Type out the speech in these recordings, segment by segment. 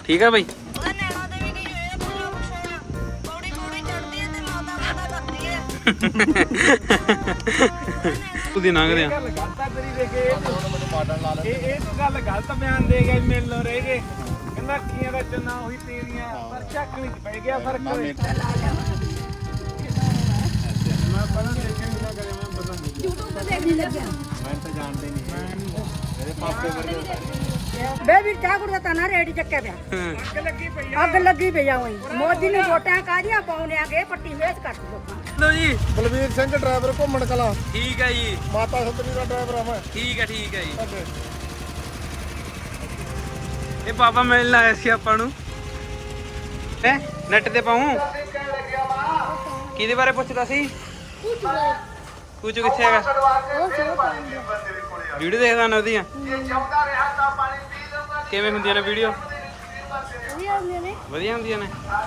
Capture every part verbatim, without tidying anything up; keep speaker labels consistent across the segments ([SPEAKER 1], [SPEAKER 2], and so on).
[SPEAKER 1] ਠੀਕ ਆ ਬਈ। ਉਹਦੀ ਲੰਘਦੇ ਆ
[SPEAKER 2] ਗੱਲ ਗਲਤ ਆ ਤੇਰੀ ਦੇਖ ਇਹ ਇਹ ਤੂੰ ਗੱਲ ਗਲਤ ਬਿਆਨ ਦੇ ਗਿਆ ਮਿਲ ਲੋ ਰਹਿ ਗਏ ਕਹਿੰਦਾ ਅੱਖੀਆਂ ਦਾ ਚੰਨਾ ਉਹੀ ਤੇਰੀਆਂ ਪਰ ਚੱਕਣੀ ਚ ਪੈ ਗਿਆ ਫਰਕ ਹੋਏ ਮੈਂ ਪਤਾ ਦੇਖਣ ਨਾ ਕਰੇ ਮੈਂ ਪਤਾ ਨਹੀਂ
[SPEAKER 3] YouTube ਤੇ ਦੇਖਣ ਲੱਗਿਆ
[SPEAKER 2] ਮੈਂ ਤਾਂ ਜਾਣਦੇ ਨਹੀਂ ਮੇਰੇ ਪਾਪੇ ਵਰਗੇ
[SPEAKER 3] ਬੇਬੀ ਠਾਕੁਰ ਦਾ ਤਾਂ ਰੇੜੀ ਚੱਕਿਆ ਪਿਆ
[SPEAKER 2] ਅੱਗ ਲੱਗੀ ਪਈ
[SPEAKER 3] ਅੱਗ ਲੱਗੀ ਪਈ ਆ ਉਹੀ ਮੋਦੀ ਨੇ ਵੋਟਾਂ ਕਾਹਦੀਆਂ ਪਾਉਣੇ ਆਗੇ ਪੱਟੀ ਵੇਚ ਕੱਟ ਲੋਕਾਂ
[SPEAKER 1] ਲੋ ਜੀ
[SPEAKER 2] ਬਲਵੀਰ ਸਿੰਘ ਡਰਾਈਵਰ ਘੁੰਮਣ ਕਲਾ
[SPEAKER 1] ਠੀਕ ਹੈ ਜੀ
[SPEAKER 2] ਮਾਤਾ ਸਤਰੀ ਦਾ ਡਰਾਈਵਰ ਆ ਮੈਂ
[SPEAKER 1] ਠੀਕ ਹੈ ਠੀਕ ਹੈ ਜੀ ਇਹ ਪਾਪਾ ਮਿਲਣ ਆਇਆ ਸੀ ਆਪਾਂ ਨੂੰ ਹੈ ਨੈਟ ਤੇ ਪਾਉਂ ਕਿਹਦੇ ਬਾਰੇ ਪੁੱਛਦਾ ਸੀ ਕੁਝ ਕਿੱਥੇ ਹੈਗਾ ਵੀਡੀਓ ਦੇਖਦਾ ਨਾ ਉਹਦੀਆਂ ਕਿਵੇਂ ਹੁੰਦੀਆਂ ਨੇ ਵੀਡੀਓ ਵਧੀਆ ਹੁੰਦੀਆਂ ਨੇ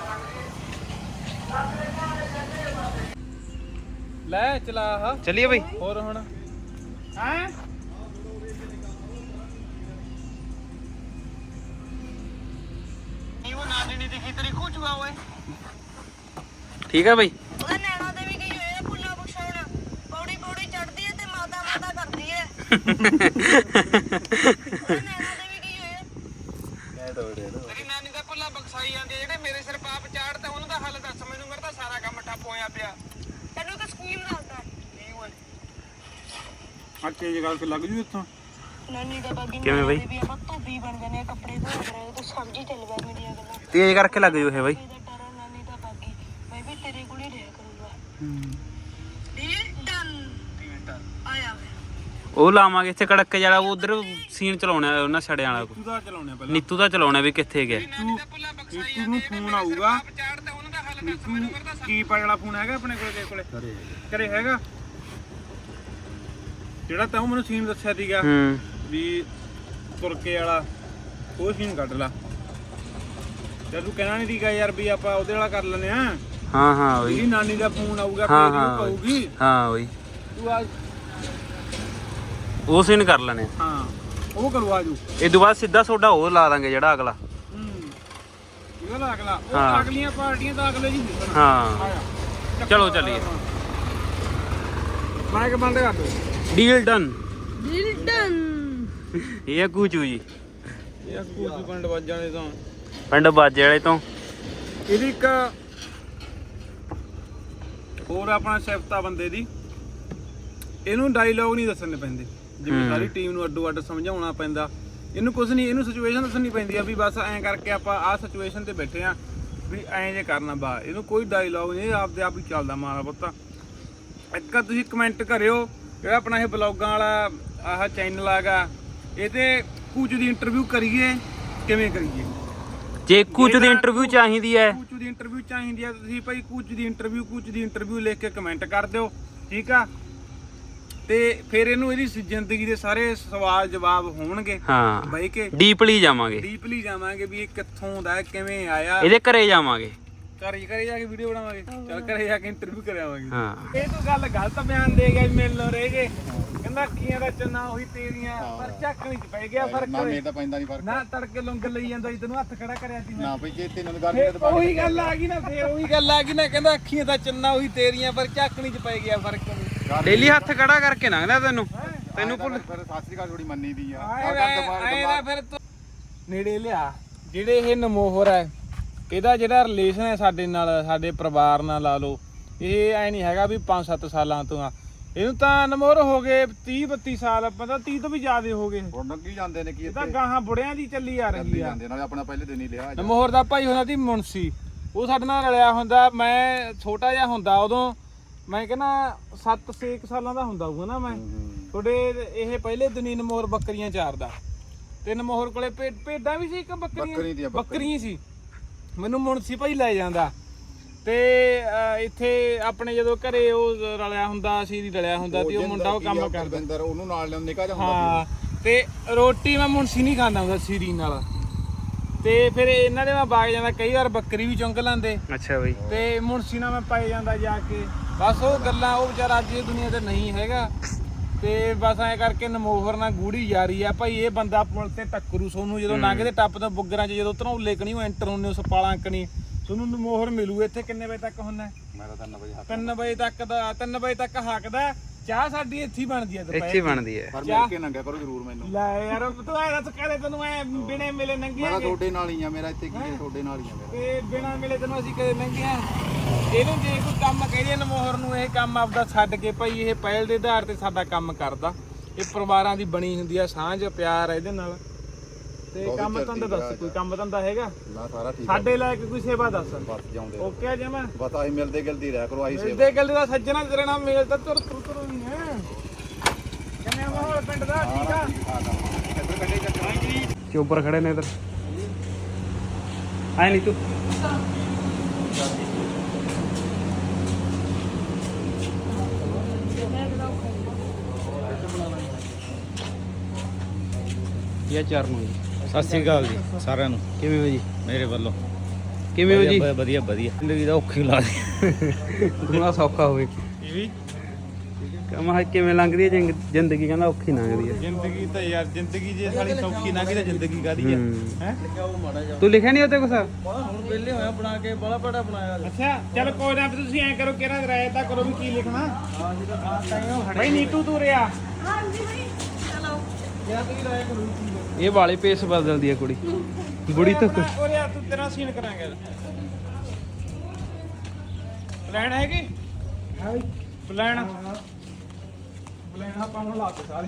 [SPEAKER 2] ਲੈ ਚਲਾ ਆ
[SPEAKER 1] ਚੱਲੀਏ ਬਈ
[SPEAKER 2] ਹੋਰ ਹੁਣ ਹੈ ਇਹ ਉਹ ਨਾਨੀ ਨਹੀਂ ਦਿਖੀ ਤੇਰੀ ਖੂਚੂਗਾ ਓਏ
[SPEAKER 1] ਠੀਕ ਆ ਬਈ
[SPEAKER 3] ਉਹਦਾ ਨੈਣਾ ਦੇ ਵੀ ਗਈ ਹੋਏ ਆ ਪੁੱਲਾ ਬਖਸ਼ਾਉਣ ਪੌੜੀ ਪੌੜੀ ਚੜਦੀ ਹੈ ਤੇ ਮਾਤਾ ਮਾਤਾ ਕਰਦੀ ਹੈ ਉਹਦਾ ਨੈਣਾ ਦੇ ਵੀ ਗਈ ਹੋਏ ਆ
[SPEAKER 2] ਤੇਰੀ ਨਾਨੀ ਦਾ ਪੁੱਲਾ ਬਖਸ਼ਾਈ ਜਾਂਦੀ ਜਿਹੜੇ ਮੇਰੇ ਸਿਰ ਪਾਪ ਚਾੜ ਤੇ ਉਹਨਾਂ ਦਾ ਹੱਲ ਦੱਸ ਮੈਨੂੰ ਮੇਰਾ ਤਾਂ ਸਾਰਾ ਕੰਮ ਠੱਪ ਹੋਇਆ ਪਿਆ
[SPEAKER 3] ਤੈਨੂੰ ਤਾਂ ਸਕੀਮ ਦੱਸਦਾ
[SPEAKER 2] ਕੀ ਓਏ ਆ ਤੇਜ ਗੱਲ ਤੇ ਲੱਗ ਜੂ ਇੱਥੋਂ
[SPEAKER 3] ਨਾਨੀ ਦਾ ਬਾਗੀ
[SPEAKER 1] ਕਿਵੇਂ ਬਈ
[SPEAKER 3] ਵੀ ਆਪਾਂ ਧੋਬੀ ਬਣ ਜਾਂਦੇ ਆ ਕੱਪੜੇ ਧੋ ਰਹੇ ਤੇ ਸਬਜ਼ੀ ਚੱਲ ਪੈ ਮੇਰੀਆਂ ਗੱਲਾਂ
[SPEAKER 1] ਤੇਜ਼ ਕਰਕੇ ਲੱਗ ਜੂ ਇਹ ਬਈ
[SPEAKER 3] ਇਹਦਾ ਟਰਾ ਨਾਨੀ ਦਾ ਬਾਗੀ ਮੈਂ ਵੀ ਤੇਰੇ ਕੋਲ ਹੀ ਰਹਿ ਕਰੂੰਗਾ ਹੂੰ ਡੀਲ ਡਨ ਆਇਆ
[SPEAKER 1] ਉਹ ਲਾਵਾਂਗੇ ਇੱਥੇ ਕੜਕੇ ਜਿਹੜਾ ਉਧਰ ਸੀਨ ਚਲਾਉਣਾ ਉਹਨਾਂ ਛੜਿਆਂ ਵਾਲਾ
[SPEAKER 2] ਤੂੰ ਦਾ ਚਲਾਉਣੇ ਪਹਿਲਾਂ
[SPEAKER 1] ਨੀਤੂ ਦਾ ਚਲਾਉਣਾ ਵੀ ਕਿੱਥੇ ਗਿਆ
[SPEAKER 2] ਨੀਤੂ ਨੂੰ ਫੋਨ ਆਊਗਾ ਨੀਤੂ ਕੀ ਪਾ ਜਿਹੜਾ ਫੋਨ ਹੈਗਾ ਆਪਣੇ ਕੋਲੇ ਕੋਲੇ ਘਰੇ ਹੈਗਾ ਜਿਹੜਾ ਤੈਨੂੰ ਮੈਨੂੰ ਸੀਨ ਦੱਸਿਆ ਸੀਗਾ
[SPEAKER 1] ਹੂੰ
[SPEAKER 2] ਵੀ ਤੁਰਕੇ ਵਾਲਾ ਉਹ ਸੀਨ ਕੱਢ ਲਾ ਤੇ ਤੂੰ ਕਹਿਣਾ ਨਹੀਂ ਸੀਗਾ ਯਾਰ ਵੀ ਆਪਾਂ ਉਹਦੇ ਵਾਲਾ ਕਰ ਲੈਨੇ ਆ
[SPEAKER 1] ਹਾਂ ਹਾਂ ਬਈ
[SPEAKER 2] ਇਹਦੀ ਨਾਨੀ ਦਾ ਫੋਨ ਆਊਗਾ
[SPEAKER 1] ਹਾਂ
[SPEAKER 2] ਫੇਰ
[SPEAKER 1] ਹਾਂ
[SPEAKER 2] ਉਹ ਕਹੂਗੀ
[SPEAKER 1] ਹਾਂ ਬਈ
[SPEAKER 2] ਤੂੰ ਆ
[SPEAKER 1] ਉਹ ਸੀਨ ਕਰ ਲੈਣੇ
[SPEAKER 2] ਹਾਂ ਉਹ ਕਰਵਾ ਜੂ
[SPEAKER 1] ਇਹ ਤੋਂ ਬਾਅਦ ਸਿੱਧਾ ਸੋਡਾ ਉਹ ਲਾ ਦਾਂਗੇ ਜਿਹੜਾ ਅਗਲਾ
[SPEAKER 2] ਹੂੰ ਇਹ ਲਾ ਅਗਲਾ ਉਹ
[SPEAKER 1] ਹਾਂ।
[SPEAKER 2] ਅਗਲੀਆਂ ਪਾਰਟੀਆਂ ਤਾਂ ਅਗਲੇ ਜੀ ਦਿਸਣ
[SPEAKER 1] ਹਾਂ
[SPEAKER 2] ਆਇਆ
[SPEAKER 1] ਚਲੋ ਚੱਲੀਏ
[SPEAKER 2] ਮਾਈਕ ਬੰਦ ਕਰ ਦੋ
[SPEAKER 1] ਡੀਲ ਡਨ
[SPEAKER 3] ਡੀਲ ਡਨ
[SPEAKER 1] ਇਹ ਆ ਕੂਚੂ ਜੀ
[SPEAKER 2] ਇਹ ਕੂਚੂ ਪਿੰਡ ਵੱਜਾਂ ਦੇ ਤਾਂ
[SPEAKER 1] ਪਿੰਡ ਬਾਜੇ ਵਾਲੇ ਤੋਂ
[SPEAKER 2] ਇਹਦੀ ਇੱਕ ਹੋਰ ਆਪਣਾ ਸਿਫਤਾ ਬੰਦੇ ਦੀ ਇਹਨੂੰ ਡਾਇਲੌਗ ਨਹੀਂ ਦੱਸਣੇ ਪੈਂਦੇ ਜਿਵੇਂ ਸਾਰੀ ਟੀਮ ਨੂੰ ਅੱਡੋ ਅੱਡ ਸਮਝਾਉਣਾ ਪੈਂਦਾ ਇਹਨੂੰ ਕੁਝ ਨਹੀਂ ਇਹਨੂੰ ਸਿਚੁਏਸ਼ਨ ਦੱਸਣੀ ਪੈਂਦੀ ਆ ਵੀ ਬਸ ਐਂ ਕਰਕੇ ਆਪਾਂ ਆਹ ਸਿਚੁਏਸ਼ਨ ਤੇ ਬੈਠੇ ਆ ਵੀ ਐਂ ਜੇ ਕਰਨਾ ਬਾ ਇਹਨੂੰ ਕੋਈ ਡਾਇਲੌਗ ਨਹੀਂ ਆਪਦੇ ਆਪ ਹੀ ਚੱਲਦਾ ਮਾਰਾ ਪੁੱਤਾ ਇੱਕ ਤੁਸੀਂ ਕਮੈਂਟ ਕਰਿਓ ਜਿਹੜਾ ਆਪਣਾ ਇਹ ਬਲੌਗਾਂ ਵਾਲਾ ਆਹ ਚੈਨਲ ਆਗਾ ਇਹ ਤੇ ਕੂਚ ਦੀ ਇੰਟਰਵਿਊ ਕਰੀਏ ਕਿਵੇਂ ਕਰੀਏ
[SPEAKER 1] ਜੇ ਕੂਚ ਦੀ ਇੰਟਰਵਿਊ ਚਾਹੀਦੀ ਹੈ
[SPEAKER 2] ਕੂਚ ਦੀ ਇੰਟਰਵਿਊ ਚਾਹੀਦੀ ਆ ਤੁਸੀਂ ਭਾਈ ਕੂਚ ਦੀ ਇੰਟਰਵਿਊ ਕੂਚ ਦੀ ਇੰਟਰਵਿਊ ਲਿਖ ਕੇ ਕਮੈਂਟ ਕਰ ਦਿਓ ਠੀਕ ਆ ਤੇ ਫਿਰ ਇਹਨੂੰ ਇਹਦੀ ਜ਼ਿੰਦਗੀ ਦੇ ਸਾਰੇ ਸਵਾਲ ਜਵਾਬ ਹੋਣਗੇ
[SPEAKER 1] ਹਾਂ
[SPEAKER 2] ਬਈ ਕੇ
[SPEAKER 1] ਡੀਪਲੀ ਜਾਵਾਂਗੇ
[SPEAKER 2] ਡੀਪਲੀ ਜਾਵਾਂਗੇ ਵੀ ਇਹ ਕਿੱਥੋਂ ਦਾ ਕਿਵੇਂ ਆਇਆ
[SPEAKER 1] ਇਹਦੇ ਘਰੇ ਜਾਵਾਂਗੇ
[SPEAKER 2] ਘਰ ਹੀ ਘਰੇ ਜਾ ਕੇ ਵੀਡੀਓ ਬਣਾਵਾਂਗੇ ਚੱਲ ਘਰੇ ਜਾ ਕੇ ਇੰਟਰਵਿਊ ਕਰਾਵਾਂਗੇ
[SPEAKER 1] ਹਾਂ
[SPEAKER 2] ਇਹ ਤੂੰ ਗੱਲ ਗਲਤ ਬਿਆਨ ਦੇ ਗਿਆ ਮਿਲ ਲੋ ਰਹਿ ਗਏ ਕਹਿੰਦਾ ਅੱਖੀਆਂ ਦਾ ਚੰਨਾ ਉਹੀ ਤੇਰੀਆਂ ਪਰ ਚੱਕਣੀ ਚ ਪੈ ਗਿਆ ਫਰਕ
[SPEAKER 4] ਨਾ ਮੇਰੇ ਤਾਂ ਪੈਂਦਾ ਨਹੀਂ ਫਰਕ
[SPEAKER 2] ਨਾ ਤੜਕੇ ਲੰਗਰ ਲਈ ਜਾਂਦਾ ਸੀ ਤੈਨੂੰ ਹੱਥ ਖੜਾ ਕਰਿਆ ਸੀ ਮੈਂ
[SPEAKER 4] ਨਾ ਬਈ ਜੇ ਤੈਨੂੰ ਗੱਲ
[SPEAKER 2] ਫੇਰ ਉਹੀ ਗੱਲ ਆ ਗਈ ਨਾ ਫੇਰ ਉਹੀ ਗੱਲ ਆ ਗਈ ਨਾ ਕਹਿੰਦਾ ਅੱਖੀਆਂ ਦਾ ਚੰਨਾ ਉਹੀ ਤੇਰੀਆਂ ਪਰ ਚੱਕਣੀ ਚ ਪੈ ਗਿਆ ਫਰਕ
[SPEAKER 1] ਡੇਲੀ ਹੱਥ ਖੜਾ ਕਰਕੇ ਲੰਘਦਾ ਤੈਨੂੰ ਤੈਨੂੰ ਭੁੱਲ
[SPEAKER 4] ਫਿਰ ਸਾਸਰੀ ਘਰ ਥੋੜੀ ਮੰਨੀ ਦੀ ਆ
[SPEAKER 2] ਆਏ ਨਾ ਫਿਰ ਤੂੰ ਨੇੜੇ ਲਿਆ ਜਿਹੜੇ ਇਹ ਨਮੋਹਰ ਹੈ ਇਹਦਾ ਜਿਹੜਾ ਰਿਲੇਸ਼ਨ ਹੈ ਸਾਡੇ ਨਾਲ ਸਾਡੇ ਪਰਿਵਾਰ ਨਾਲ ਲਾ ਲਓ ਇਹ ਐ ਨਹੀਂ ਹੈਗਾ ਵੀ ਪੰਜ ਸੱਤ ਸਾਲਾਂ ਤੋਂ ਆ ਇਹਨੂੰ ਤਾਂ ਨਮੋਹਰ ਹੋ ਗਏ ਤੀਹ ਬੱਤੀ ਸਾਲ ਪਤਾ ਤੀਹ ਤੋਂ ਵੀ ਜ਼ਿਆਦਾ ਹੋ ਗਏ
[SPEAKER 4] ਹੁਣ ਨੰਗੀ ਜਾਂਦੇ ਨੇ ਕੀ
[SPEAKER 2] ਇਹ ਤਾਂ ਗਾਹਾਂ ਬੁੜਿਆਂ ਦੀ ਚੱਲੀ ਆ ਰਹੀ ਆ
[SPEAKER 4] ਜਾਂਦੇ ਨਾਲੇ ਆਪਣਾ ਪਹਿਲੇ ਦਿਨ ਹੀ ਲਿਆ
[SPEAKER 2] ਨਮੋਹਰ ਦਾ ਭਾਈ ਹੁੰਦਾ ਸੀ ਮੁਨਸੀ ਉਹ ਸਾਡੇ ਨਾਲ ਰਲਿਆ ਹੁੰਦਾ ਮੈਂ ਛੋਟਾ ਜਿਹਾ ਹੁੰਦਾ ਉਦੋਂ ਮੈਂ ਕਹਿੰਦਾ ਸੱਤ ਛੇ ਸਾਲਾਂ ਦਾ ਹੁੰਦਾ ਹੋਊਗਾ ਨਾ ਮੈਂ ਤੁਹਾਡੇ ਇਹ ਪਹਿਲੇ ਦਿਨੀ ਨਮੋਹਰ ਬੱਕਰੀਆਂ ਚਾਰਦਾ ਤੇ ਨਮੋਹਰ ਕੋਲੇ ਭੇਡਾਂ ਵੀ ਸੀ ਇੱਕ ਬੱਕਰੀਆਂ ਬੱਕਰੀਆਂ ਸੀ ਮੈਨੂੰ ਮੁਨਸੀ ਭਾਈ ਲੈ ਜਾਂਦਾ ਤੇ ਇੱਥੇ ਆਪਣੇ ਜਦੋਂ ਘਰੇ ਉਹ ਰਲਿਆ ਹੁੰਦਾ ਸੀ ਰਲਿਆ ਹੁੰਦਾ ਤੇ ਉਹ ਮੁੰਡਾ ਉਹ ਕੰਮ ਕਰਦਾ
[SPEAKER 4] ਉਹਨੂੰ ਨਾਲ ਲਿਆ ਨਿਕਾ ਜਾ ਹੁੰਦਾ
[SPEAKER 2] ਹਾਂ ਤੇ ਰੋਟੀ ਮੈਂ ਮੁਨਸੀ ਨਹੀਂ ਖਾਂਦਾ ਹੁੰਦਾ ਸੀਰੀ ਨਾਲ ਤੇ ਫਿਰ ਇਹਨਾਂ ਦੇ ਮੈਂ ਬਾਗ ਜਾਂਦਾ ਕਈ ਵਾਰ ਬੱਕਰੀ ਵੀ ਚੁੰਗ ਲੈਂਦੇ
[SPEAKER 1] ਅੱਛਾ ਬਈ
[SPEAKER 2] ਤੇ ਮੁਨਸੀ ਨਾਲ ਮੈਂ ਪਾਈ ਜਾਂਦਾ ਜਾ ਕੇ ਬਸ ਉਹ ਗੱਲਾਂ ਉਹ ਵਿਚਾਰਾ ਅੱਜ ਇਹ ਦੁਨੀਆ ਤੇ ਨਹੀਂ ਹੈਗਾ ਤੇ ਬਸ ਐਂ ਕਰਕੇ ਨਮੋਹਰ ਨਾਲ ਗੂੜੀ ਯਾਰੀ ਆ ਭਾਈ। ਇਹ ਬੰਦਾ ਪੁਲ ਤੇ ਟੱਕਰੂ ਸੋਨੂੰ ਜਦੋਂ ਲੰਘਦੇ ਟੱਪ ਤੋਂ ਬੁੱਗਰਾਂ 'ਚ ਜਦੋਂ ਧਨੌਲੇ ਕਣੀ ਉਹ ਐਂਟਰ ਹੁੰਦੇ ਉਸ ਪਾਲਾਂ ਕਣੀ ਤੁਹਾਨੂੰ ਨਮੋਹਰ ਮਿਲੂ। ਇੱਥੇ ਕਿੰਨੇ ਵਜੇ ਤੱਕ ਹੁੰਦਾ?
[SPEAKER 4] ਮੈਂ ਤਾਂ ਤਿੰਨ ਵਜੇ ਹੱਥ
[SPEAKER 2] ਤਿੰਨ ਵਜੇ ਤੱਕ ਦਾ ਤਿੰਨ ਵਜੇ ਤੱਕ ਹੱਕਦਾ। ਚਾਹ ਸਾਡੀ ਇੱਥੇ ਹੀ ਬਣਦੀ ਆ
[SPEAKER 1] ਇੱਥੇ ਹੀ ਬਣਦੀ ਹੈ।
[SPEAKER 4] ਪਰ ਮਿਲ ਕੇ ਨੰਗਿਆ ਕਰੋ ਜ਼ਰੂਰ ਮੈਨੂੰ।
[SPEAKER 2] ਲੈ ਯਾਰ ਤੂੰ ਐ ਦੱਸ ਕਰੇ ਤੈਨੂੰ ਐ ਬਿਨੇ ਮਿਲੇ
[SPEAKER 4] ਮੈਂ ਤਾਂ
[SPEAKER 2] ਨੰਗੀਆਂ
[SPEAKER 4] ਤੁਹਾਡੇ ਨਾਲ ਹੀ ਆ, ਮੇਰਾ ਇੱਥੇ ਕੀ ਹੈ, ਤੁਹਾਡੇ ਨਾਲ ਹੀ ਆ ਮੇਰਾ।
[SPEAKER 2] ਤੇ ਬਿਨਾ ਮਿਲੇ ਤੈਨੂੰ ਅਸੀਂ ਕਦੇ ਨੰਗੀਆਂ। ਇਹਨੂੰ ਜੇ ਕੋਈ ਕੰਮ ਕਹੀਏ ਨਮੋਹਰ ਨੂੰ ਇਹ ਕੰਮ ਆਪਦਾ ਛੱਡ ਕੇ ਭਾਈ ਇਹ ਪਹਿਲ ਦੇ ਆਧਾਰ ਤੇ ਸਾਡਾ ਕੰਮ ਕਰਦਾ। ਇਹ ਪਰਿਵਾਰਾਂ ਦੀ ਬਣੀ ਹੁੰਦੀ ਆ ਸਾਂਝ ਪਿਆਰ ਇਹਦੇ ਨਾਲ। ਤੇ ਕੰਮ ਧੰਦਾ ਦੱਸ ਕੋਈ ਕੰਮ ਧੰਦਾ ਹੈਗਾ?
[SPEAKER 4] ਨਾ ਸਾਰਾ ਠੀਕ ਹੈ।
[SPEAKER 2] ਸਾਡੇ ਲਾਇਕ ਕੋਈ ਸੇਵਾ ਦੱਸ।
[SPEAKER 4] ਬਸ ਜਾਉਂਦੇ
[SPEAKER 2] ਓਕੇ ਆ ਜਮਾ
[SPEAKER 4] ਬਸ ਆਹੀ ਮਿਲਦੇ ਗਿਲਦੀ ਰਹਿ ਕਰੋ ਆਹੀ ਸੇਵਾ।
[SPEAKER 2] ਮਿਲਦੇ ਗੱਲ ਦਾ ਸੱਜਣਾ ਤੇਰੇ ਨਾਲ ਮੇਲ ਤਾਂ ਤੁਰ ਤੁਰ ਤੁਰ ਨਹੀਂ ਹੈ। ਕਿੰਨੇ ਮਾਹੌਲ ਪਿੰਡ ਦਾ ਠੀਕ ਆ?
[SPEAKER 4] ਇੱਧਰ ਕੱਢੇ ਚੱਕਰ
[SPEAKER 1] ਚੋਪਰ ਖੜੇ ਨੇ ਇਧਰ। ਆਏ ਨਹੀਂ ਤੂੰ ਇਹ ਚਾਰ ਨੂੰ ਜੀ।
[SPEAKER 5] ਸਤਿ ਸ੍ਰੀ ਅਕਾਲ ਜੀ ਸਾਰਿਆਂ ਨੂੰ
[SPEAKER 1] ਕਿਵੇਂ ਹੋ ਜੀ?
[SPEAKER 5] ਮੇਰੇ ਵੱਲੋਂ
[SPEAKER 1] ਕਿਵੇਂ ਹੋ ਜੀ?
[SPEAKER 5] ਵਧੀਆ ਵਧੀਆ ਵਧੀਆ ਜ਼ਿੰਦਗੀ ਦਾ ਔਖੀ ਲਾ ਦੀ
[SPEAKER 1] ਥੋੜਾ ਸੌਖਾ ਹੋਵੇ।
[SPEAKER 2] ਇਹ ਵੀ
[SPEAKER 1] ਕਮਾ ਕਿਵੇਂ ਲੰਘਦੀ ਹੈ ਜ਼ਿੰਗ- ਜ਼ਿੰਦਗੀ? ਕਹਿੰਦਾ ਔਖੀ ਲੰਘਦੀ ਹੈ
[SPEAKER 2] ਜ਼ਿੰਦਗੀ ਤਾਂ ਯਾਰ ਜ਼ਿੰਦਗੀ ਜੇ ਸਾਡੀ ਸੌਖੀ ਨਾ ਗਈ ਤਾਂ ਜ਼ਿੰਦਗੀ ਕਾਦੀ ਹੈ ਹੈ?
[SPEAKER 1] ਤੂੰ ਲਿਖਿਆ ਨਹੀਂ ਉੱਤੇ ਕੁਛ?
[SPEAKER 5] ਹੁਣ ਵਿਹਲੇ ਹੋਇਆ ਬਣਾ ਕੇ ਬੜਾ ਬੜਾ ਬਣਾਇਆ
[SPEAKER 2] ਅੱਛਾ ਚੱਲ ਕੋਈ ਨਾ ਤੁਸੀਂ ਐਂ ਕਰੋ ਕਿਹੜਾ ਰਾਇ ਤਾਂ ਕਰੋ ਵੀ ਕੀ ਲਿਖਣਾ। ਬਈ ਨੀਤੂ ਤੂੰ ਰਿਆ
[SPEAKER 3] ਹਾਂਜੀ ਬਈ ਚਲੋ
[SPEAKER 2] ਕਿਹੜਾ ਤੁਸੀਂ ਰਾਇ ਕਰੋ।
[SPEAKER 1] ਇਹ ਵਾਲੇ ਪੇਸ ਬਦਲਦੀ ਹੈ ਕੁੜੀ। ਬੁੜੀ ਤੋਂ
[SPEAKER 2] ਉਹ ਰਿਆ ਤੂੰ ਤੇਰਾ ਸੀਨ ਕਰਾਂਗੇ। ਪਲਾਨ ਹੈਗੀ? ਹਾਂ ਪਲਾਨ ਪਲਾਨ ਆਪਾਂ ਨੂੰ ਲਾਤੇ ਸਾਰੇ।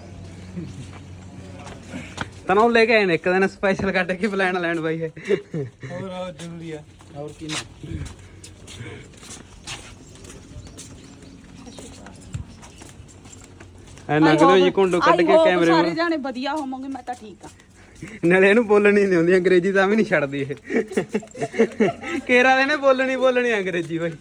[SPEAKER 1] ਤਨੋਂ ਲੈ ਕੇ ਆਏ ਨੇ ਇੱਕ ਦਿਨ ਸਪੈਸ਼ਲ ਕੱਢ ਕੇ ਪਲਾਨ ਲੈਣ ਬਾਈ ਹੈ।
[SPEAKER 2] ਹੋਰ ਆ ਜ਼ਰੂਰੀ ਆ। ਹੋਰ ਕੀ ਨਾ
[SPEAKER 1] ਐ ਨਗਦੇ ਜੀ ਕੁੰਡੋ ਕੱਢ ਕੇ ਕੈਮਰੇ
[SPEAKER 3] ਸਾਰੇ
[SPEAKER 1] ਨੂੰ।
[SPEAKER 3] ਜਾਣੇ ਵਧੀਆ ਹੋਵਾਂਗੇ। ਮੈਂ ਤਾਂ ਠੀਕ ਆ।
[SPEAKER 1] ਨਾਲੇ ਇਹਨੂੰ ਬੋਲਣੀ ਨਹੀਂ ਆਉਂਦੀ ਅੰਗਰੇਜ਼ੀ ਤਾਂ ਵੀ ਨਹੀਂ ਛੱਡਦੀ ਇਹ। ਕੇਰਾ ਦੇ ਨੇ ਬੋਲਣੀ ਬੋਲਣੀ ਅੰਗਰੇਜ਼ੀ ਬਾਈ।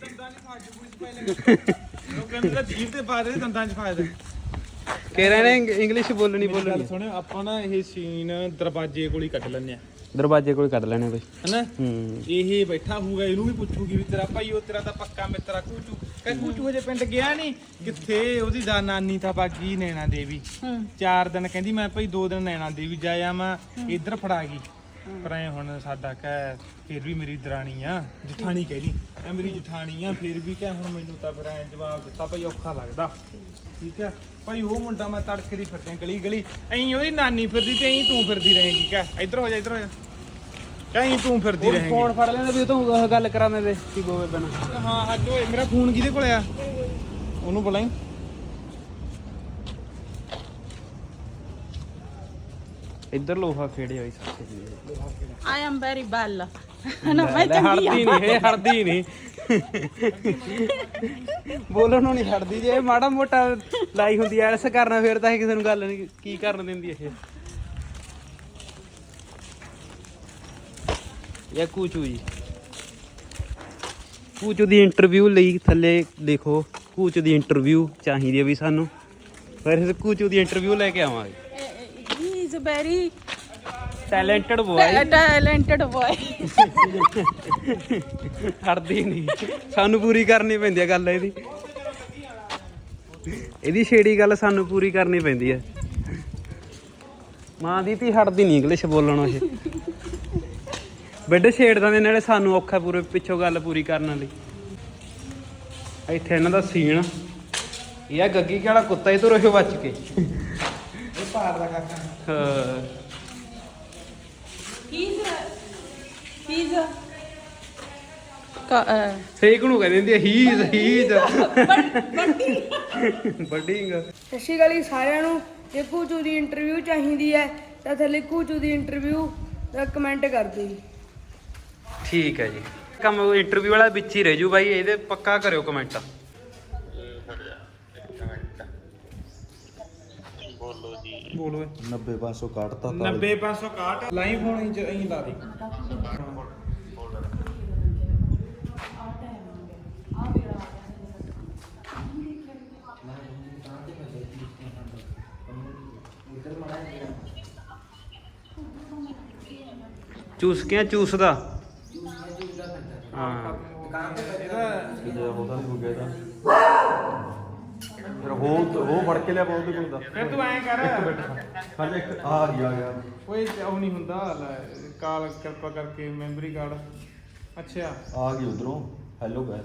[SPEAKER 2] ਉਹ ਕਹਿੰਦੇ ਤਾਂ ਜੀਭ ਤੇ ਪਾ ਦੇ ਦੰਦਾਂ 'ਚ ਫਾਇਦਾ।
[SPEAKER 1] ਕੇਰਾ ਨੇ ਇੰਗਲਿਸ਼ ਬੋਲਣੀ
[SPEAKER 2] ਗੱਲ
[SPEAKER 1] ਬੋਲਣੀ।
[SPEAKER 2] ਸੁਣਿਓ ਆਪਾਂ ਨਾ ਇਹ ਸੀਨ ਦਰਵਾਜ਼ੇ ਕੋਲ ਹੀ ਕੱਢ ਲੈਂਦੇ ਆ
[SPEAKER 1] ਦਰਵਾਜ਼ੇ ਕੋਲ ਕੱਢ ਲੈਣੇ ਬਾਈ।
[SPEAKER 2] ਹਨਾ।
[SPEAKER 1] ਹੂੰ
[SPEAKER 2] ਇਹ ਬੈਠਾ ਹੋਊਗਾ ਇਹਨੂੰ ਵੀ ਪੁੱਛੂਗੀ ਵੀ ਤੇਰਾ ਭਾਈ ਉਹ ਤੇਰਾ ਤਾਂ ਪੱਕਾ ਮਿੱਤਰਾ ਕੂਚੂ ਕਹ ਕੂਚੂ ਹਜੇ ਪਿੰਡ ਗਿਆ ਨਹੀਂ ਕਿੱਥੇ ਉਹਦੀ ਦਾ ਨਾਨੀ ਤਾਂ ਬਾਗੀ ਨੈਣਾ ਦੇਵੀ ਚਾਰ ਦਿਨ ਕਹਿੰਦੀ ਮੈਂ ਭਾਈ ਦੋ ਦਿਨ ਨੈਣਾ ਦੇਵੀ ਜਾਇਆ ਮੈਂ ਇੱਧਰ ਫੜਾ ਗਈ ਪਰ ਐ ਹੁਣ ਸਾਡਾ ਕਹਿ ਫਿਰ ਵੀ ਮੇਰੀ ਦਰਾਣੀ ਆ ਜਠਾਣੀ ਕਹਿਦੀ ਐ ਮੇਰੀ ਜਠਾਣੀ ਆ ਫਿਰ ਵੀ ਕਹਿ ਹੁਣ ਮੈਨੂੰ ਤਾਂ ਫਿਰ ਐ ਜਵਾਬ ਦਿੱਤਾ ਭਾਈ ਔਖਾ ਲੱਗਦਾ ਠੀਕ ਆ ਭਾਈ ਉਹ ਮੁੰਡਾ ਮੈਂ ਤੜਕੇ ਦੀ ਫਿਰਦੇ ਗਲੀ ਗਲੀ ਐਂ ਉਹਦੀ ਨਾਨੀ ਫਿਰਦੀ ਤੇ ਐਂ ਤੂੰ ਫਿਰਦੀ ਰਹੇਗੀ ਕਹਿ ਇੱਧਰ ਹੋ ਜਾ ਇੱਧਰ ਹੋ ਜਾ ਕਹੀਂ ਤੂੰ ਫਿਰਦੀ ਰਹੇਂਗੀ।
[SPEAKER 1] ਫੋਨ ਫੜ ਲੈਂਦੇ ਵੀ ਤੂੰ ਗੱਲ ਕਰਾਉਂਦੇ ਤੇ ਕੀ ਬੋਵੇ ਬਣਾ।
[SPEAKER 2] ਹਾਂ ਅੱਜ ਓਏ ਮੇਰਾ ਫੋਨ ਕਿਹਦੇ ਕੋਲ ਆ ਉਹਨੂੰ ਬੁਲਾਈ।
[SPEAKER 1] ਇੱਧਰ ਲੋਹਾ ਖੇੜੇ ਹੋਈ ਸਾਥੇ ਜੀ।
[SPEAKER 3] ਆਈ ਐਮ ਵੈਰੀ ਵੈਲ ਨਾ ਮੈਂ
[SPEAKER 1] ਲੈ
[SPEAKER 3] ਚੰਗੀ
[SPEAKER 1] ਹੜਦੀ
[SPEAKER 3] ਆ।
[SPEAKER 1] ਨਹੀਂ ਇਹ ਹੜਦੀ ਨਹੀਂ। ਬੋਲਣ ਨੂੰ ਨਹੀਂ ਹੜਦੀ ਜੇ ਮਾੜਾ ਮੋਟਾ ਲਾਈ ਹੁੰਦੀ ਐ ਐਸ ਕਰਨਾ ਫਿਰ ਤਾਂ ਇਹ ਕਿਸੇ ਨੂੰ ਗੱਲ ਨਹੀਂ ਕੀ ਕਰਨ ਦਿੰਦੀ ਇਹ। ਇਹ ਕੂਚੂ ਜੀ ਕੂਚੂ ਦੀ ਇੰਟਰਵਿਊ ਲਈ ਥੱਲੇ ਦੇਖੋ ਕੂਚੂ ਦੀ ਇੰਟਰਵਿਊ ਚਾਹੀਦੀ ਹੈ ਵੀ ਸਾਨੂੰ ਫਿਰ ਇਸ ਕੂਚੂ ਦੀ ਇੰਟਰਵਿਊ ਲੈ ਕੇ ਆਵਾਂਗੇ।
[SPEAKER 3] He is very
[SPEAKER 1] talented boy
[SPEAKER 3] talented boy.
[SPEAKER 1] ਹੜਦੀ ਨਹੀਂ ਸਾਨੂੰ ਪੂਰੀ ਕਰਨੀ ਪੈਂਦੀ ਹੈ ਗੱਲ ਇਹਦੀ ਇਹਦੀ ਛੇੜੀ ਗੱਲ ਸਾਨੂੰ ਪੂਰੀ ਕਰਨੀ ਪੈਂਦੀ ਹੈ। ਮਾਂ ਦੀ ਧੀ ਹੜਦੀ ਨਹੀਂ ਇੰਗਲਿਸ਼ ਬੋਲਣੋਂ ਇਹ ਬੈੱਡ ਛੇੜਦਾ ਦੇ ਨਾਲੇ ਸਾਨੂੰ ਔਖਾ ਪੂਰੇ ਪਿੱਛੋਂ ਗੱਲ ਪੂਰੀ ਕਰਨ ਲਈ। ਇੱਥੇ ਇਹਨਾਂ ਦਾ ਸੀਨ ਇਹ ਆ ਗੱਗੀ ਕਿਹੜਾ ਕੁੱਤਾ ਇਹ ਤੋਂ ਰਹੋ ਬਚ ਕੇ।
[SPEAKER 2] ਇਹ ਪਾਰ ਦਾ ਕਾਕਾ
[SPEAKER 1] ਹਾਂ
[SPEAKER 3] ਹੀ ਇਜ਼ ਹੀ ਇਜ਼
[SPEAKER 1] ਸੇਕ ਨੂੰ ਕਹਿੰਦੇ ਹੁੰਦੀ he is he is budding.
[SPEAKER 6] ਸਤਿ ਸ਼੍ਰੀ ਅਕਾਲ ਜੀ ਸਾਰਿਆਂ ਨੂੰ। ਜੇ ਕੂਚੂ ਦੀ ਇੰਟਰਵਿਊ ਚਾਹੀਦੀ ਹੈ ਤਾਂ ਥੱਲੇ ਕੂਚੂ ਦੀ ਇੰਟਰਵਿਊ ਦਾ ਕਮੈਂਟ ਕਰ ਦਿਓ ਜੀ।
[SPEAKER 1] ਠੀਕ ਹੈ ਜੀ ਕੰਮ ਇੰਟਰਵਿਊ ਵਾਲਾ ਵਿੱਚ ਹੀ ਰਹਿ ਜੂ ਬਾਈ ਇਹਦੇ ਪੱਕਾ ਕਰਿਓ ਕਮੈਂਟ।
[SPEAKER 2] ਬੋਲ ਓਏ
[SPEAKER 4] ਨੱਬੇ ਪੰਜ ਸੌ ਕੱਟਤਾ
[SPEAKER 2] ਨੱਬੇ ਪੰਜ ਸੌ ਇਕਾਹਠ ਲਾਈਵ ਫੋਨ ਇੰਚ ਐਂ ਲਾ ਦੇ।
[SPEAKER 1] ਚੂਸ ਕੇ ਚੂਸਦਾ ਹਾਂ
[SPEAKER 4] ਫਿਰ ਉਹ ਉਹ ਫੜ ਕੇ ਲਿਆ ਬਹੁਤ ਕੋਲ ਦਾ
[SPEAKER 2] ਫਿਰ ਤੂੰ ਐਂ ਕਰ
[SPEAKER 4] ਹਜੇ ਇੱਕ ਆ ਗਿਆ ਆ ਗਿਆ
[SPEAKER 2] ਓਏ ਉਹ ਨਹੀਂ ਹੁੰਦਾ ਲੈ, ਕਾਲ ਕਿਰਪਾ ਕਰਕੇ ਮੈਮਰੀ ਕਾਰਡ ਅੱਛਾ
[SPEAKER 4] ਆ ਗਈ ਉਧਰੋਂ ਹੈਲੋ ਗਾਇਸ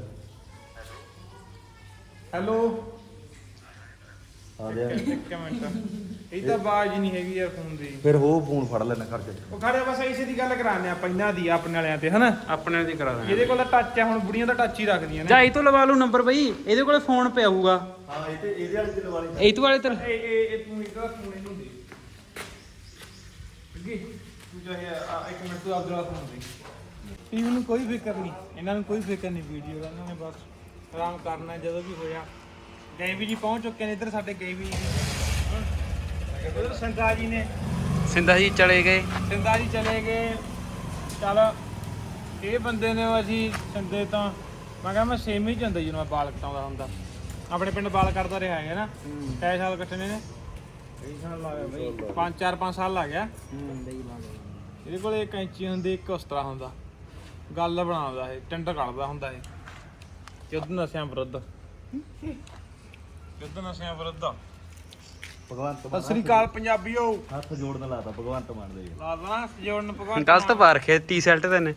[SPEAKER 2] ਹੈਲੋ
[SPEAKER 4] ਆ ਗਿਆ
[SPEAKER 2] ਇੱਕ ਮਿੰਟ ਇਹ ਤਾਂ ਆਵਾਜ਼ ਹੀ ਨਹੀਂ ਹੈਗੀ ਯਾਰ ਫੋਨ ਦੀ
[SPEAKER 4] ਫਿਰ ਉਹ ਫੋਨ ਫੜ ਲੈਣਾ ਖਰਚ
[SPEAKER 2] ਉਹ ਖੜੇ ਬਸ ਇਸੇ ਦੀ ਗੱਲ ਕਰਾਉਂਦੇ ਆਪਾਂ ਇਹਨਾਂ ਦੀ ਆਪਣੇ ਵਾਲਿਆਂ ਤੇ ਹਨਾ
[SPEAKER 1] ਆਪਣੇ ਦੀ ਕਰਾ ਦੇਣਾ
[SPEAKER 2] ਇਹਦੇ ਕੋਲ ਤਾਂ ਟੱਚ ਆ ਹੁਣ ਬੁੜੀਆਂ ਦਾ ਟੱਚ ਹੀ ਰੱਖਦੀਆਂ ਨੇ
[SPEAKER 1] ਜਾਂ ਇਹ ਤੋਂ ਲਵਾ ਲੂ ਨੰਬਰ ਬਈ ਇਹਦੇ ਕੋਲੇ ਫੋਨ ਪਿਆ ਹੋਊਗਾ
[SPEAKER 4] ਹਾਂ ਇਹ ਤੇ ਇਹਦੇ ਵਾਲੇ ਤੇ ਲਵਾ ਲਈ
[SPEAKER 1] ਇਹ ਤੋਂ ਵਾਲੇ ਤੇ
[SPEAKER 2] ਇਹ ਇਹ ਇਹ ਤੂੰ ਇਹਦਾ ਫੋਨ ਇਹਨੂੰ ਦੇ ਅੱਗੇ ਤੂੰ ਚਾਹੇ ਆ- ਇੱਕ ਮਿੰਟ ਤੂੰ ਆਪਦਾ ਫੋਨ ਦੇ ਟੀਮ ਨੂੰ ਕੋਈ ਫਿਕਰ ਨਹੀਂ ਇਹਨਾਂ ਨੂੰ ਕੋਈ ਫਿਕਰ ਨਹੀਂ ਵੀਡੀਓ ਦਾ ਇਹਨਾਂ ਨੇ ਬਸ ਆਰਾਮ ਕਰਨਾ ਜਦੋਂ ਵੀ ਹੋਇਆ ਗਏ ਵੀ ਜੀ ਪਹੁੰਚ ਚੁੱਕੇ ਨੇ ਇੱਧਰ ਸਾਡੇ ਗਏ ਵੀ ਜੀ ਉਧਰ ਸੰਤਾ ਜੀ ਨੇ
[SPEAKER 1] ਸਿੰਧਾ ਜੀ ਚਲੇ ਗਏ
[SPEAKER 2] ਸਿੰਦਾ ਜੀ ਚਲੇ ਗਏ ਚੱਲ ਇਹ ਬੰਦੇ ਨੇ ਅਸੀਂ ਸੰਦੇ ਤਾਂ ਮੈਂ ਕਿਹਾ ਮੈਂ ਸੇਮ ਹੀ ਚ ਹੁੰਦਾ ਜਦੋਂ ਮੈਂ ਬਾਲ ਕਟਾਉਂਦਾ ਹੁੰਦਾ ਆਪਣੇ ਪਿੰਡ ਬਾਲ ਕੱਟਦਾ ਰਿਹਾ ਹੈ ਨਾ ਕਈ ਸਾਲ ਕੱਟਣੇ ਨੇ ਕਈ ਸਾਲ ਲਾ ਗਿਆ ਬਈ ਪੰਜ ਚਾਰ ਪੰਜ ਸਾਲ ਲੱਗ ਗਿਆ ਇਹਦੇ ਕੋਲ ਇੱਕ ਕੈਂਚੀ ਹੁੰਦੀ ਇੱਕ ਉਸ ਤਰ੍ਹਾਂ ਹੁੰਦਾ ਗੱਲ ਬਣਾਉਂਦਾ ਇਹ ਟੰਡ ਕੱਢਦਾ ਹੁੰਦਾ ਇਹ ਯੁੱਧ ਨਸ਼ਿਆਂ ਵਿਰੁੱਧ ਯੁੱਧ ਨਸ਼ਿਆਂ ਵਿਰੁੱਧ
[SPEAKER 4] ਭਗਵੰਤ
[SPEAKER 2] ਸਤਿ ਸ੍ਰੀ ਅਕਾਲ ਪੰਜਾਬੀਓ
[SPEAKER 4] ਹੱਥ ਜੋੜਨ ਲਾਤਾ ਭਗਵੰਤ ਮਾਨ ਦੇ
[SPEAKER 2] ਲਾ ਦੇਣਾ ਜੋੜਨ ਭਗਵਾਨ
[SPEAKER 1] ਗਲਤ ਪਾ ਰੱਖਿਆ ਟੀ ਸ਼ਰਟ ਤੇ ਨੇ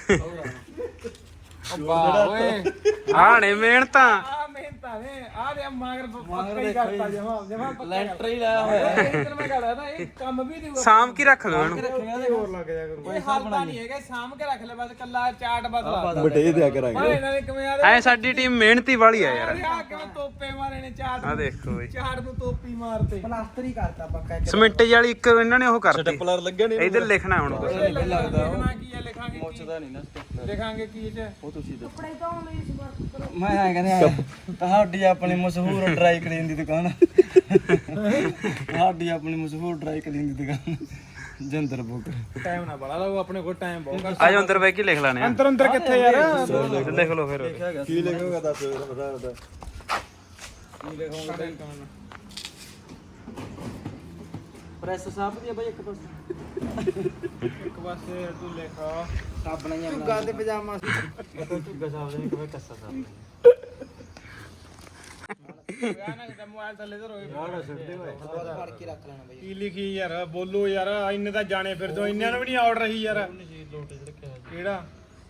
[SPEAKER 2] ਵਾਹ ਓਏ
[SPEAKER 1] ਆਹ ਨੇ ਮਿਹਨਤਾਂ
[SPEAKER 2] ਆ ਮਿਹਨਤਾਂ ਨੇ ਆ ਦੇ ਮਾਗਰ ਪੱਕਾ ਹੀ ਕਰਤਾ ਜਮਾ ਜਮਾ ਪੱਕਾ
[SPEAKER 5] ਲੈਂਟਰ ਹੀ ਲਾਇਆ ਹੋਇਆ
[SPEAKER 2] ਇਹ ਮੈਂ ਕਹਦਾ ਨਾ ਇਹ ਕੰਮ ਵੀ ਨਹੀਂ
[SPEAKER 1] ਸਾਮ ਕੀ ਰੱਖ ਲਓ ਇਹਨੂੰ
[SPEAKER 2] ਹੋਰ ਲੱਗ ਜਾ ਕਰੂ ਇਹ ਹਲਦਾ ਨਹੀਂ ਹੈਗਾ ਸਾਂਭ ਕੇ ਰੱਖ ਲੈ ਬਸ ਕੱਲਾ ਚਾਟ ਬਦਲਾ
[SPEAKER 4] ਬਟੇ ਦਿਆ ਕਰਾਂਗੇ
[SPEAKER 2] ਓਏ ਇਹਨਾਂ ਨੇ ਕਿਵੇਂ ਆ
[SPEAKER 1] ਐ ਸਾਡੀ ਟੀਮ ਮਿਹਨਤੀ ਵਾਲੀ ਆ ਯਾਰ
[SPEAKER 2] ਆ ਕਿਵੇਂ ਤੋਪੇ ਮਾਰੇ ਨੇ ਚਾਟ
[SPEAKER 1] ਆ ਦੇਖੋ ਬਈ
[SPEAKER 2] ਚਾਟ ਨੂੰ ਤੋਪੀ ਮਾਰਤੇ
[SPEAKER 1] ਸਮਿੰਟ ਵਾਲੀ ਇੱਕ ਇਹਨਾਂ ਨੇ ਉਹ ਕਰਤੀ
[SPEAKER 4] ਪਲਰ ਲੱਗਿਆ ਨਹੀਂ
[SPEAKER 1] ਇਧਰ ਲਿਖਣਾ ਹੁਣ
[SPEAKER 2] ਲਿਖਣਾ ਕੀ ਹੈ ਲਿਖਾਂਗੇ ਮੁੱਛਦਾ ਨਹੀਂ ਨਾ ਲਿਖਾਂਗੇ ਕੀ ਇਹ ਚ
[SPEAKER 6] ਕੱਪੜੇ ਧੋਣ ਲਈ ਸੰਪਰਕ ਕਰੋ
[SPEAKER 5] ਮੈਂ ਐਂ ਕਹਿੰਦੇ ਤੁਹਾਡੀ ਆਪਣੀ ਮਸ਼ਹੂਰ ਡਰਾਈ ਕਲੀਨ ਦੀ ਦੁਕਾਨ ਤੁਹਾਡੀ ਆਪਣੀ ਮਸ਼ਹੂਰ ਡਰਾਈ ਕਲੀਨ ਦੀ ਦੁਕਾਨ ਜਿੰਦਰ ਬੁੱਕ
[SPEAKER 2] ਟਾਈਮ ਨਾ ਬੜਾ ਲਾਓ ਆਪਣੇ ਕੋਲ ਟਾਈਮ ਬਹੁਤ ਘੱਟ
[SPEAKER 1] ਆ ਜਾ ਅੰਦਰ ਬੈ ਕੇ ਲਿਖ ਲੈਣੇ ਆ
[SPEAKER 2] ਅੰਦਰ ਅੰਦਰ ਕਿੱਥੇ ਯਾਰ
[SPEAKER 1] ਲਿਖ ਲਓ ਫਿਰ
[SPEAKER 4] ਕੀ ਲਿਖੋਗਾ ਦੱਸ ਬਤਾ ਬਤਾ
[SPEAKER 5] ਪ੍ਰੈਸ ਸਾਫ ਦੀ ਬਾਈ ਇੱਕ ਪਾਸੇ
[SPEAKER 2] ਇੱਕ ਪਾਸੇ ਤੂੰ ਲਿਖ
[SPEAKER 5] ਸਾਬਣਾ ਹੀ ਝੁੱਗਾ ਤੇ ਪਜਾਮਾ ਝੁੱਗਾ ਸਾਫ ਦੇ ਕਿਵੇਂ ਕੱਸਾ ਸਾਫ
[SPEAKER 2] ਯਾਰ ਨਾ ਕਿਤੇ ਮੋਬਾਈਲ ਥੱਲੇ ਧਰੋ
[SPEAKER 5] ਯਾਰ ਛੱਡਦੇ ਹੋਏ ਫੜ ਕੇ ਰੱਖ ਲੈਣਾ ਬਾਈ
[SPEAKER 2] ਕੀ ਲਿਖੀ ਯਾਰ ਬੋਲੋ ਯਾਰ ਇੰਨੇ ਤਾਂ ਜਾਣੇ ਫਿਰ ਦੋ ਇੰਨਿਆਂ ਨੂੰ ਵੀ ਨਹੀਂ ਆਰਡਰ ਰਹੀ ਯਾਰ ਕਿਹੜਾ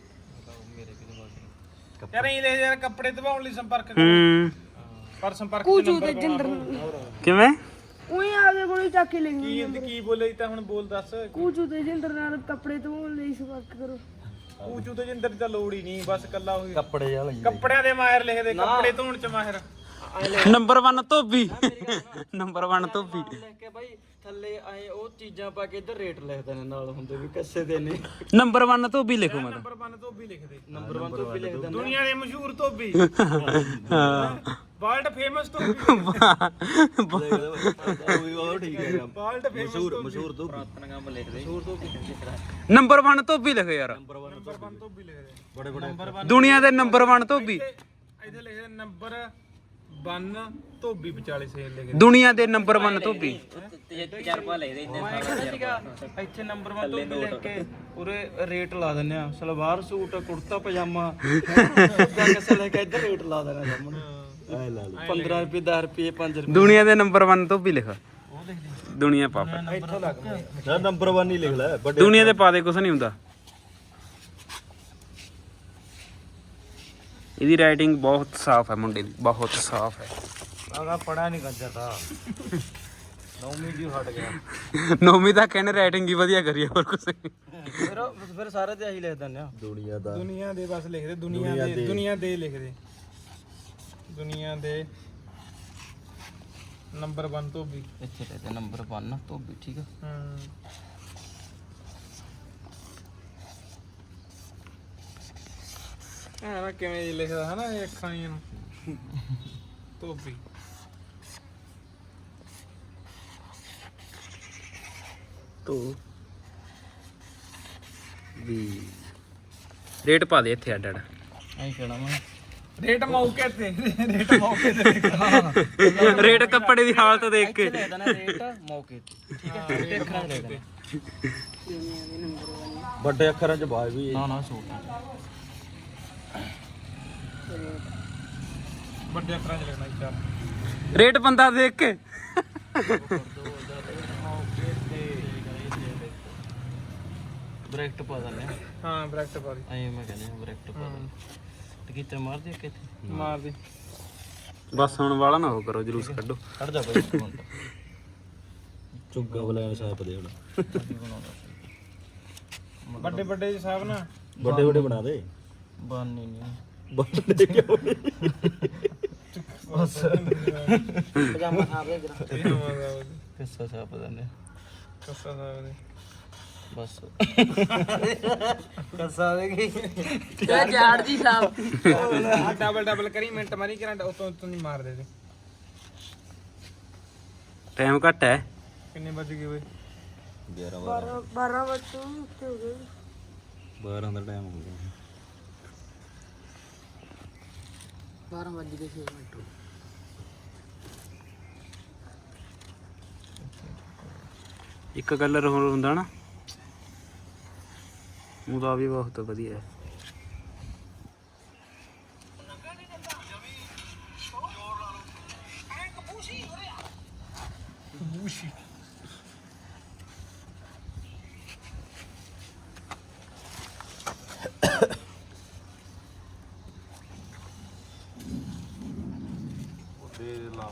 [SPEAKER 2] ਯਾਰ ਇਹ ਲੈ ਯਾਰ ਕੱਪੜੇ ਧਵਾਉਣ ਲਈ ਸੰਪਰਕ ਕਰੋ
[SPEAKER 1] ਹੂੰ
[SPEAKER 2] ਪਰ ਸੰਪਰਕ
[SPEAKER 6] ਕੂਚੂ ਤੇ ਜਿੰਦਰ
[SPEAKER 1] ਕਿਵੇਂ
[SPEAKER 6] ਉਹੀ ਆਪਦੇ ਕੋਲ ਹੀ ਚੱਕ ਕੇ ਲਿਖੀ
[SPEAKER 2] ਕੀ ਕੀ ਬੋਲੇ ਤਾਂ ਹੁਣ ਬੋਲ ਦੱਸ
[SPEAKER 6] ਕੂਚੂ ਤੇ ਜਿੰਦਰ ਨਾਲ ਕੱਪੜੇ ਧੋਣ ਲਈ ਸੰਪਰਕ ਕਰੋ
[SPEAKER 2] ਕੂਚੂ ਤੇ ਜਿੰਦਰ ਦੀ ਤਾਂ ਲੋੜ ਹੀ ਨਹੀਂ ਬਸ ਕੱਲਾ ਉਹੀ
[SPEAKER 5] ਕੱਪੜੇ ਵਾਲਾ
[SPEAKER 2] ਕੱਪੜਿਆਂ ਦੇ ਮਾਹਿਰ ਲਿਖਦੇ ਕੱਪੜੇ ਧੋਣ ਚ ਮਾਹਿਰ
[SPEAKER 1] ਨੰਬਰ ਇੱਕ ਧੋਬੀ ਨੰਬਰ ਇੱਕ ਧੋਬੀ
[SPEAKER 5] ਲਿਖ ਕੇ ਬਾਈ ਥੱਲੇ ਆਏ ਉਹ ਚੀਜ਼ਾਂ ਪਾ ਕੇ ਇੱਧਰ ਰੇਟ ਲਿਖਦੇ ਨੇ ਨਾਲ ਹੁੰਦੇ ਵੀ ਕੱਸੇ ਦੇ ਨੇ
[SPEAKER 1] ਨੰਬਰ ਇੱਕ ਧੋਬੀ ਲਿਖੋ ਮੈਂ
[SPEAKER 2] ਨੰਬਰ ਇੱਕ ਧੋਬੀ ਲਿਖਦੇ
[SPEAKER 5] ਨੰਬਰ ਇੱਕ ਤੋਂ ਵੀ ਲਿਖਦੇ ਨੇ
[SPEAKER 2] ਦੁਨੀਆ ਦੇ ਮਸ਼ਹੂਰ ਧੋਬੀ
[SPEAKER 1] ਹਾਂ
[SPEAKER 2] ਵਰਲਡ ਫੇਮਸ ਧੋਬੀ
[SPEAKER 4] ਉਹ ਠੀਕ ਹੈ
[SPEAKER 2] ਵਰਲਡ ਫੇਮਸ ਧੋਬੀ
[SPEAKER 4] ਮਸ਼ਹੂਰ ਤੋਂ
[SPEAKER 5] ਪੁਰਾਤਨ ਕੰਮ ਲਿਖਦੇ ਮਸ਼ਹੂਰ ਤੋਂ
[SPEAKER 1] ਨੰਬਰ ਇੱਕ ਧੋਬੀ ਲਿਖੋ ਯਾਰ
[SPEAKER 2] ਨੰਬਰ ਇੱਕ ਧੋਬੀ ਲਿਖਦੇ
[SPEAKER 4] ਬੜੇ ਬੜੇ
[SPEAKER 2] ਨੰਬਰ
[SPEAKER 1] ਦੁਨੀਆ ਦੇ ਨੰਬਰ ਇੱਕ ਧੋਬੀ
[SPEAKER 2] ਇੱਥੇ ਲਿਖਦੇ ਨੰਬਰ ਇੱਕ ਧੋਬੀ ਵਿਚਾਲੇ ਸੇਲ ਲਿਖਦੇ
[SPEAKER 1] ਦੁਨੀਆ ਦੇ ਨੰਬਰ ਇੱਕ ਧੋਬੀ
[SPEAKER 5] ਤਜਰਬਾ ਲਿਖਦੇ ਇੰਨੇ ਇੱਥੇ ਨੰਬਰ ਇੱਕ ਤੋਂ ਵੀ ਲਿਖ ਕੇ ਪੂਰੇ ਰੇਟ ਲਾ ਦਿੰਨੇ ਆ ਸਲਵਾਰ ਸੂਟ ਕੁੜਤਾ ਪਜਾਮਾ ਝੁੱਗਾ ਕੱਸੇ ਲੈ ਕੇ ਇੱਧਰ ਰੇਟ ਲਾ ਦੇਣਾ ਸਾਹਮਣੇ ਪੰਦਰਾਂ ਰੁਪਏ ਦਸ ਰੁਪਏ ਪੰਜ ਰੁਪਏ
[SPEAKER 1] ਦੁਨੀਆ ਦੇ ਨੰਬਰ ਇੱਕ ਧੋਬੀ ਲਿਖ ਦੁਨੀਆ ਪਾ
[SPEAKER 2] ਇੱਥੋਂ ਲੱਗ
[SPEAKER 4] ਨਾ ਨੰਬਰ ਇੱਕ ਹੀ ਲਿਖ ਲੈ ਵੱਡੇ
[SPEAKER 1] ਦੁਨੀਆ ਦੇ ਪਾ ਦੇ ਕੁਝ ਨਹੀਂ ਹੁੰਦਾ ਇਹਦੀ ਰਾਈਟਿੰਗ ਬਹੁਤ ਸਾਫ਼ ਹੈ ਮੁੰਡੇ ਦੀ ਬਹੁਤ ਸਾਫ਼ ਹੈ
[SPEAKER 5] ਆਗਾ ਪੜਾ ਨਹੀਂ ਕੰਜਰ ਦਾ ਨੌਵੀਂ ਜੀ ਹਟ ਗਿਆ
[SPEAKER 1] ਨੌਵੀਂ ਤੱਕ ਇਹਨੇ ਰਾਈਟਿੰਗ ਹੀ ਵਧੀਆ ਕਰੀ ਹੋਰ ਕੁਝ ਨਹੀਂ
[SPEAKER 5] ਫਿਰ ਫਿਰ ਸਾਰੇ ਤੇ ਆਹੀ ਲਿਖ ਦਿੰਦੇ ਆ
[SPEAKER 4] ਦੁਨੀਆ ਦਾ
[SPEAKER 2] ਦੁਨੀਆ ਦੇ ਬਸ ਲਿਖਦੇ ਦੁਨੀਆ ਦੇ ਦੁਨੀਆ ਦੇ ਲਿਖਦੇ ਦੁਨੀਆ ਦੇ ਨੰਬਰ ਇੱਕ ਧੋਬੀ
[SPEAKER 5] ਇੱਥੇ ਤੇ ਨੰਬਰ ਇੱਕ ਤੋਂ ਵੀ ਠੀਕ ਆ
[SPEAKER 2] ਹੂੰ ਆ ਨਾ ਕਿਵੇਂ ਜੀ ਲਿਖਦਾ ਹਨਾ ਇਹ ਅੱਖਾਂ ਜੀਆਂ ਨੂੰ ਧੋਬੀ
[SPEAKER 1] ਤੋ ਵੀ ਰੇਟ ਪਾ ਦੇ ਇੱਥੇ ਅੱਡ ਅੱਡ
[SPEAKER 5] ਐਂ ਕਹਿਣਾ ਮੈਂ
[SPEAKER 2] ਰੇਟ ਮੌਕੇ ਤੇ ਰੇਟ ਮੌਕੇ ਤੇ
[SPEAKER 1] ਰੇਟ ਕੱਪੜੇ ਦੀ ਹਾਲਤ ਦੇਖ ਕੇ
[SPEAKER 5] ਲਿਖ ਦੇਣਾ ਰੇਟ ਮੌਕੇ ਤੇ ਠੀਕ ਹੈ ਤੇ ਅੱਖਰਾਂ ਲਿਖ ਦੇਣਾ
[SPEAKER 4] ਵੱਡੇ ਅੱਖਰਾਂ 'ਚ ਬਾਜ ਵੀ
[SPEAKER 5] ਨਾ ਨਾ ਸੂਟ
[SPEAKER 2] ਵੱਡੇ ਅੱਖਰਾਂ 'ਚ ਲਿਖਣਾ ਚਾਹ
[SPEAKER 1] ਰੇਟ ਬੰਦਾ ਦੇਖ ਕੇ
[SPEAKER 5] ਬ੍ਰੈਕਟ ਪਾ ਦਿੰਦੇ ਆ
[SPEAKER 2] ਹਾਂ ਬ੍ਰੈਕਟ ਪਾ ਦੀ
[SPEAKER 5] ਐਂ ਮੈਂ ਕਹਿੰਦਾ ਬ੍ਰੈਕਟ ਪਾ ਦਿੰਦੇ ਟਿਕੀਟਰ ਮਾਰ ਦੇ ਕਿੱਥੇ
[SPEAKER 2] ਮਾਰ ਦੀ
[SPEAKER 1] ਬਸ ਹੁਣ ਵਾਲਾ ਨਾ ਹੋ ਕਰੋ ਜਲੂਸ ਕੱਢੋ
[SPEAKER 5] ਖੜ ਜਾ ਬਈ ਇੱਕ ਮਿੰਟ
[SPEAKER 4] ਚੁੱਗਾ ਬਲੈਨ ਸਾਪ ਦੇ ਹੁਣ
[SPEAKER 2] ਵੱਡੇ ਵੱਡੇ ਸਾਹਿਬ ਨਾ
[SPEAKER 4] ਵੱਡੇ ਵੱਡੇ ਬਣਾ ਦੇ
[SPEAKER 5] ਬਾਨੀ ਨਹੀਂ
[SPEAKER 4] ਵੱਡੇ ਕਿਉਂ
[SPEAKER 5] ਪਜਾਮਾ ਸਾਫ ਦੇ ਜਰਾ ਕਿੱਸਾ ਸਾਫ ਦਿੰਦੇ
[SPEAKER 2] ਕੱਸਾ ਸਾਹਿਬ ਦੇ
[SPEAKER 5] ਬਸ ਕੱਸਾ ਦੇ ਕੀ
[SPEAKER 6] ਤੇ ਝਾੜ ਦੀ ਸਾਫ
[SPEAKER 2] ਆ ਡਬਲ ਡਬਲ ਕਰੀ ਮਿੰਟ ਮਾਰੀ ਕਰਾਂ ਉਤੋਂ ਉਤੋਂ ਨਹੀਂ ਮਾਰ ਦੇ ਦੇ
[SPEAKER 1] ਟਾਈਮ ਘੱਟ ਹੈ
[SPEAKER 2] ਕਿੰਨੇ ਵੱਜ ਗਏ ਓਏ
[SPEAKER 4] ਗਿਆਰਾਂ
[SPEAKER 6] ਬਾਰਾਂ ਬਾਰਾਂ ਵਜੇ ਉੱਤੇ ਹੋ ਗਏ
[SPEAKER 4] ਬਾਰਾਂ ਦਾ ਟਾਈਮ ਹੋ ਗਿਆ
[SPEAKER 6] ਬਾਰਾਂ ਵਜੇ ਦੇ ਛੇ ਮਿੰਟ
[SPEAKER 1] ਇੱਕ ਕਲਰ ਹੋਰ ਹੁੰਦਾ ਨਾ ਉਹਦਾ ਵੀ ਬਹੁਤ ਵਧੀਆ ਹੈ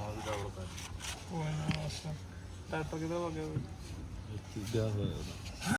[SPEAKER 2] ਕੋਈ ਨਾ ਬਸ ਟਾਈਪ ਕਿਦਾਂ ਹੋ ਗਿਆ ਓਏ
[SPEAKER 4] ਚੁੱਗਾ ਹੋਇਆ